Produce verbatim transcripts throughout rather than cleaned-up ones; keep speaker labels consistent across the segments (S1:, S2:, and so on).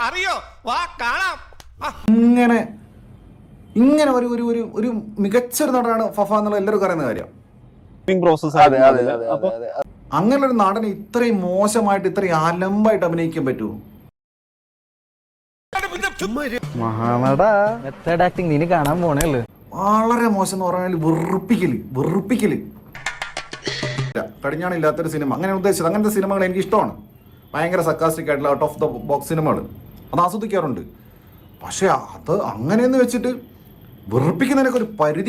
S1: അറിയോ? വാ കാണാം.
S2: ഇങ്ങനെ ഇങ്ങനെ ഒരു ഒരു ഒരു ഒരു മികച്ചൊരു നടനാണ് ഫഫ എന്നുള്ള എല്ലാവർക്കും അറിയുന്ന കാര്യം. അങ്ങനെ ഒരു നടന് ഇത്രയും മോശമായിട്ട് ഇത്രയും അലമ്പായിട്ട് അഭിനയിക്കാൻ പറ്റുമോ?
S3: നീ കാണാൻ പോണേല്ലോ.
S2: വളരെ മോശം എന്ന് പറഞ്ഞാൽ വെറുപ്പിക്കല് വെറുപ്പിക്കല് കടിഞ്ഞാണില്ലാത്തൊരു സിനിമ അങ്ങനെ ഉദ്ദേശിച്ചത്. അങ്ങനത്തെ സിനിമകൾ എനിക്ക് ഇഷ്ടമാണ്. ഭയങ്കര സക്കാസ്റ്റിക് ആയിട്ടുള്ള ഔട്ട് ഓഫ് ദ ബോക്സ് സിനിമകൾ അത് ആസ്വദിക്കാറുണ്ട്. പക്ഷെ അത് അങ്ങനെയെന്ന് വെച്ചിട്ട് വെറുപ്പിക്കുന്നതിനൊക്കെ ഒരു പരിധി.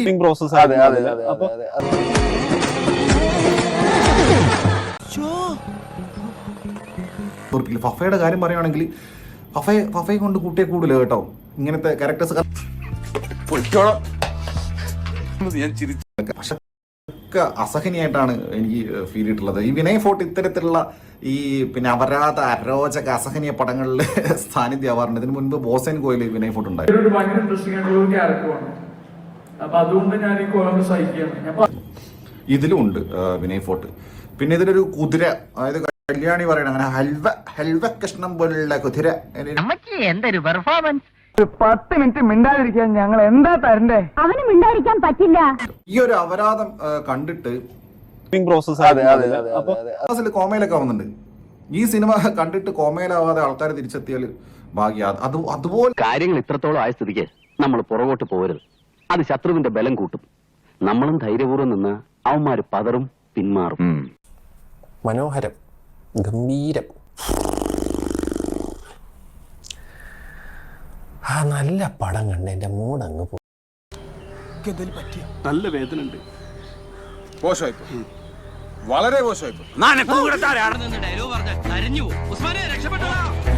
S2: ഫഫയുടെ കാര്യം പറയുകയാണെങ്കിൽ ഫഫയെ ഫഫയെ കൊണ്ട് കൂട്ടിയെ കൂടുതൽ കേട്ടോ ഇങ്ങനത്തെ ക്യാരക്ടേഴ്സ്. പക്ഷെ അസഹനീയായിട്ടാണ് എനിക്ക് ഫീൽ ചെയ്തിട്ടുള്ളത്. ഈ വിനയ് ഫോർട്ട് ഇത്തരത്തിലുള്ള ഈ പിന്നെ അപരാധ അരോചക അസഹനീയ പടങ്ങളിൽ സാന്നിധ്യം ആവാറുണ്ട്. ഇതിനു മുൻപ് ബോസൻ കോയിൽ വിനയ് ഫോർട്ട് ഉണ്ടായിരുന്നു.
S4: ഭയങ്കര ഇൻട്രസ്റ്റിംഗ് ആയിട്ടുള്ള ഒരു ക്യാരക്ടറാണ്. അപ്പൊ അതുകൊണ്ട് ഞാൻ ഈ കോലം സഹിക്കുകയാണ്.
S2: ഇതിലും ഉണ്ട് വിനയ് ഫോർട്ട്. പിന്നെ ഇതിലൊരു കുതിര, അതായത് കല്യാണി പറയണ അങ്ങനെ ഹൽവ ഹൽവ കൃഷ്ണം പോലുള്ള കുതിര.
S5: എന്തൊരു പെർഫോമൻസ്.
S3: ഒരു പത്ത് മിനിറ്റ് മിണ്ടാതിരിക്കാൻ ഞങ്ങൾ എന്താ തരണ്ടേ?
S5: അവന് മിണ്ടാതിരിക്കാൻ പറ്റില്ല.
S2: ഈ ഒരു അപരാധം കണ്ടിട്ട് കോമയിലൊക്കെ ആവുന്നുണ്ട്. ഈ സിനിമ കണ്ടിട്ട് കോമയിലാവാതെ ആൾക്കാർ തിരിച്ചെത്തിയാൽ ഭാഗ്യ. അത് അതുപോലെ
S6: കാര്യങ്ങൾ ഇത്രത്തോളം ആയ സ്ഥിതിക്ക് നമ്മൾ പുറകോട്ട് പോകരുത്. അത് ശത്രുവിന്റെ ബലം കൂട്ടും. നമ്മളും ധൈര്യപൂർവ്വം നിന്ന് അവന്മാര് പതറും പിന്മാറും.
S7: മനോഹരം, ഗംഭീരം. ആ നല്ല പടം കണ്ട് എന്റെ മൂടങ്ങ് പോകും.
S1: നല്ല വേദന ഉണ്ട്.
S2: മോശമായിപ്പോ, വളരെ മോശമായിപ്പോ.
S1: ഡയലോഗ് പറഞ്ഞ കരഞ്ഞു. ഉസ്മാനെ രക്ഷപ്പെട്ടോ.